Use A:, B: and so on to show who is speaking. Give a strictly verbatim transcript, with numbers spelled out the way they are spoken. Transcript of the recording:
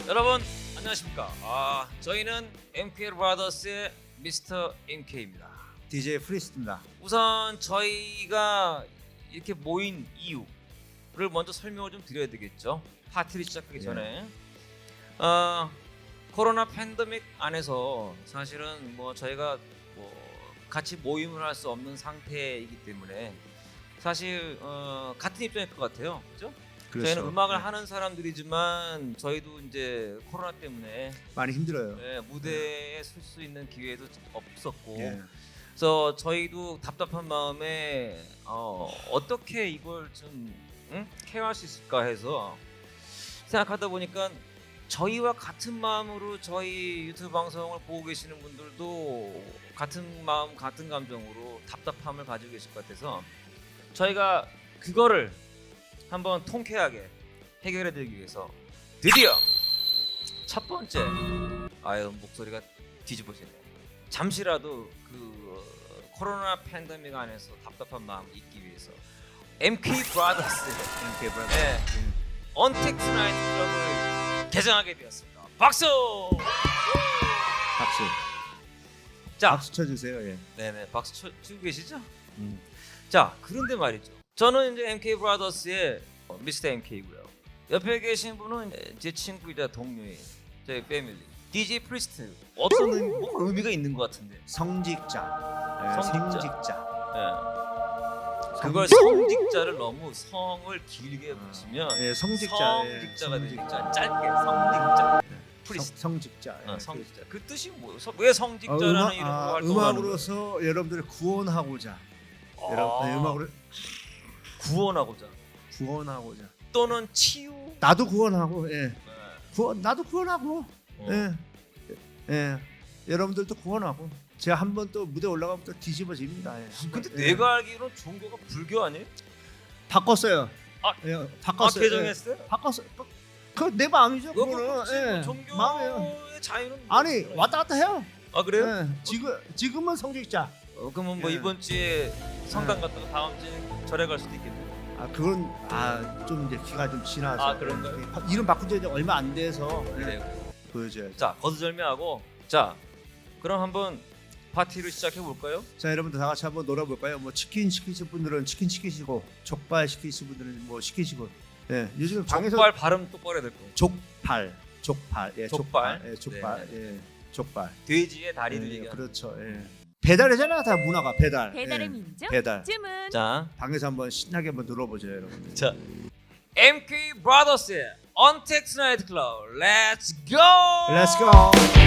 A: 여러분 안녕하십니까? 아 저희는 엠케이 브라더스의 미스터 엠케이입니다.
B: 디제이 프리스트입니다.
A: 우선 저희가 이렇게 모인 이유를 먼저 설명을 좀 드려야 되겠죠. 파티를 시작하기
B: 예.
A: 전에 어, 코로나 팬데믹 안에서 사실은 뭐 저희가 뭐 같이 모임을 할 수 없는 상태이기 때문에 사실 어, 같은 입장일 것 같아요, 그렇죠?
B: 그렇죠.
A: 저희는 음악을
B: 네.
A: 하는 사람들이지만 저희도 이제 코로나 때문에
B: 많이 힘들어요.
A: 네, 무대에 설 수 있는 기회도 없었고
B: 예.
A: 그래서 저희도 답답한 마음에 어, 어떻게 이걸 좀 응? 케어할 수 있을까 해서 생각하다 보니까 저희와 같은 마음으로 저희 유튜브 방송을 보고 계시는 분들도 같은 마음 같은 감정으로 답답함을 가지고 계실 것 같아서 저희가 그거를 한번 통쾌하게 해결해 드리기 위해서 드디어 첫 번째 아유 목소리가 뒤집어지네. 잠시라도 그 코로나 팬데믹 안에서 답답한 마음을 잊기 위해서 엠케이 브라더스
B: 엠케이 브라더스.
A: 네, 언택트 나이트 클럽을 개장하게 되었습니다. 박수!
B: 박수.
A: 자,
B: 박수 쳐주세요. 예.
A: 네네 박수 쳐, 치고 계시죠?
B: 음.
A: 자, 그런데 말이죠. 저는 이제 엠케이 브라더스의 미스터 엠케이고요. 옆에 계신 분은 제 친구이자 동료인 저희 패밀리 디제이 프리스트. 어떤 의미, 뭐 의미가 있는 것 같은데.
B: 성직자. 예,
A: 성직자.
B: 성직자.
A: 예. 그걸 성직자를 너무 성을 길게 붙이면
B: 예, 성직자.
A: 성직자가
B: 예,
A: 되니까 짧게 성직자.
B: 성,
A: 프리스트.
B: 성직자. 예.
A: 어, 성직자. 그 뜻이 뭐예요? 서- 왜
B: 어,
A: 성직자라는
B: 음악,
A: 이름으로
B: 아,
A: 활동하는 거예요?
B: 음악으로서 여러분들을 구원하고자. 여러분, 네, 음악으로
A: 구원하고자
B: 구원하고자.
A: 또는 치유.
B: 나도 구원하고. 예.
A: 네.
B: 구원 나도 구원하고.
A: 어.
B: 예. 예. 여러분들도 구원하고. 제가 한 번 또 무대 올라가면 또 뒤집어집니다. 예. 한 번,
A: 근데
B: 예.
A: 내가 알기로는 종교가 불교 아니에요?
B: 바꿨어요.
A: 아,
B: 예,
A: 아
B: 바꿨어요.
A: 개정했어요?
B: 예, 바꿨어요. 그 내 마음이죠.
A: 그거
B: 그거는.
A: 그렇지.
B: 예,
A: 뭐 종교의
B: 마음이에요.
A: 자유는
B: 아니
A: 뭐
B: 왔다 갔다 해요.
A: 아 그래요?
B: 예, 지금 지금은 성직자.
A: 어, 그러면 뭐
B: 예.
A: 이번 주에 성당
B: 예.
A: 갔다가 다음 주에 절에 갈 수도 있겠네요.
B: 아 그건 아 좀 이제 기가 좀 지나서.
A: 아, 그런가요?
B: 예, 바- 이름 바꾼 지 이제 얼마 안 돼서 예,
A: 그래요.
B: 보여줘야죠.
A: 자 거두절미하고 자 그럼 한번 파티를 시작해 볼까요?
B: 자 여러분들 다 같이 한번 놀아볼까요? 뭐 치킨 시키실 분들은 치킨 시키시고 족발 시키실 분들은 뭐 시키시고. 예, 요즘 방에서
A: 족발 발음 똑바로 해야 될 거예요.
B: 족발, 족발, 예,
A: 족발.
B: 족발, 예, 족발, 예, 족발.
A: 돼지의 다리를
B: 예,
A: 얘기하는.
B: 그렇죠. 예. 배달이잖아 다 문화가 배달.
C: 배달의
B: 예,
C: 민족
B: 배달.
C: 주문.
A: 자,
B: 방에서 한번 신나게 한번 놀아보죠 여러분.
A: 자 엠케이 브라더스의 언택트 나이트 클럽 렛츠 고!
B: Let's go.